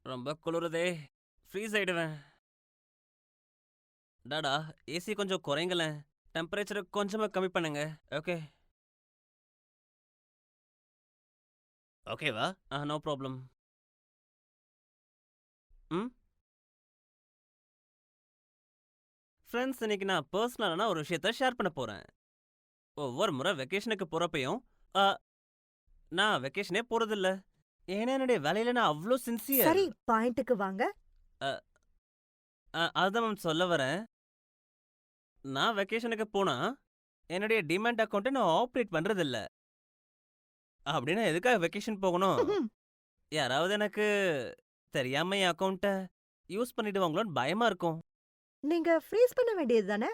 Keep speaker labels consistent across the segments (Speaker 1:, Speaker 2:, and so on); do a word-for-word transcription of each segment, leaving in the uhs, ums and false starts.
Speaker 1: ரொம்ப குளிருதே. ஃப்ரீஸ் ஆயிடுவேன். டாடா, ஏசி கொஞ்சம் குறைங்களேன். டெம்பரேச்சர கொஞ்சமா கம்மி பண்ணுங்க. ஓகே. ஓகேவா? ஆ, நோ ப்ராப்ளம். ம். ஃப்ரெண்ட்ஸ், இன்னைக்கு நான் பர்சனலான ஒரு விஷயத்த ஷேர் பண்ண போறேன். ஒவ்வொரு முறை வெக்கேஷனுக்கு போறப்பயும், அ நான் வெக்கேஷனே போறதில்ல. ஏன்னா என்னுடைய வேலையில நான் அவ்ளோ சின்சியர்.
Speaker 2: சரி, பாயிண்ட்டுக்கு வாங்க.
Speaker 1: அ அ அதான் மேம் சொல்ல வரேன். நான் வெக்கேஷனுக்கு போனா, என்னுடைய டிமேட் அக்கவுண்ட்ட நான் ஆப்பரேட் பண்றதில்ல. அப்படின்னா எதுக்காக வெக்கேஷன் போகணும்? யாராவது எனக்கு தெரியாம என் அக்கவுண்ட்ட யூஸ் பண்ணிடுவாங்களோன்னு பயமா இருக்கும்.
Speaker 2: நீங்க ஃப்ரீஸ் பண்ண வேண்டியது தானே?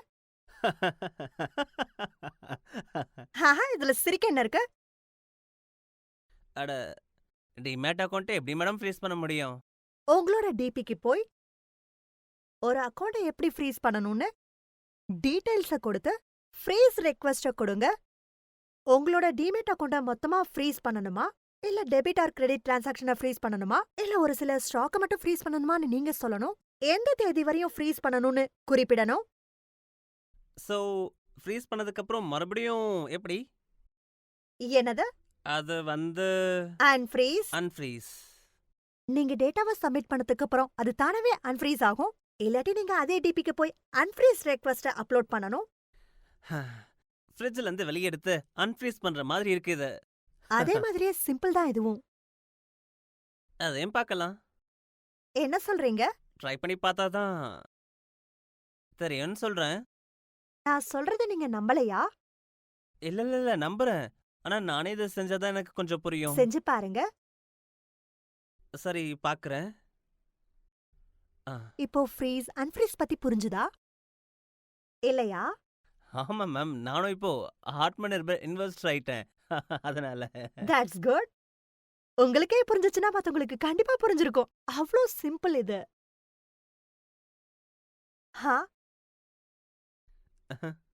Speaker 2: ஆஹா, இதுல சிரிக்க என்ன இருக்கு?
Speaker 1: அட, டிமேட் அக்கவுண்ட்ட எப்படி மேடம் ஃப்ரீஸ் பண்ண முடியும்?
Speaker 2: உங்களோட டிபிக்கு போய் ஒரு அக்கவுண்ட எப்படி ஃப்ரீஸ் பண்ணணும்னு டீடைல்ஸ கொடுத்து ஃப்ரீஸ் ரெக்வெஸ்ட கொடுங்க. உங்களோட டிமேட் அக்கவுண்ட மொத்தமா ஃப்ரீஸ் பண்ணணுமா? இல்ல டெபிட் ஆர் கிரெடிட் டிரான்சாக்ஷன ஃப்ரீஸ் பண்ணணுமா? இல்ல ஒரு சில ஸ்டாக்க மட்டும் ஃப்ரீஸ் பண்ணணுமான்னு நீங்க சொல்லணும். எந்த தேதி வரையும் ஃப்ரீஸ் பண்ணணும்னு குறிப்பிடணும்.
Speaker 1: ஸோ, ஃப்ரீஸ் பண்ணதுக்கப்புறம் மறுபடியும் எப்படி?
Speaker 2: என்னது?
Speaker 1: அது வந்து
Speaker 2: அன்ஃப்ரீஸ்.
Speaker 1: அன்ஃப்ரீஸ்.
Speaker 2: நீங்க டேட்டாவ சப்மிட் பண்ணதுக்கு அப்புறம் அது தானாவே அன்ஃப்ரீஸ் ஆகும். இல்லாட்டி நீங்க அதே டிபிக்கு போய் அன்ஃப்ரீஸ் ரெக்வெஸ்ட அப்லோட் பண்ணணும்.
Speaker 1: ஃப்ரிட்ஜ்ல இருந்து வெளிய எடுத்து அன்ஃப்ரீஸ் பண்ற மாதிரி இருக்கு இது.
Speaker 2: அதே மாதிரியே சிம்பிள் தான் இதுவும்.
Speaker 1: அதையும் பார்க்கலாம்.
Speaker 2: என்ன சொல்றீங்க?
Speaker 1: ட்ரை பண்ணி பார்த்தா தான் தெரியும்னு சொல்றேன்.
Speaker 2: நான் சொல்றத நீங்க நம்பலையா?
Speaker 1: இல்ல இல்ல இல்ல நம்புறேன். ஆனா நானே இத செஞ்சா தான் எனக்கு கொஞ்சம் புரியும்.
Speaker 2: செஞ்சு பாருங்க.
Speaker 1: சரி, பார்க்கறேன். ஆ,
Speaker 2: இப்போ ஃப்ரீஸ், அன்ஃப்ரீஸ் பத்தி புரிஞ்சுதா? இல்லையா?
Speaker 1: ஆமா மேம். நானும் இப்போ ஹார்ட்மன் இன்வெஸ்டர் ஆயிட்டேன். அதனால.
Speaker 2: That's good. உங்களுக்கே புரிஞ்சுச்சுன்னா மத்தவங்களுக்கு கண்டிப்பா புரிஞ்சிருக்கும். அவ்ளோ சிம்பிள் இது. ஹா?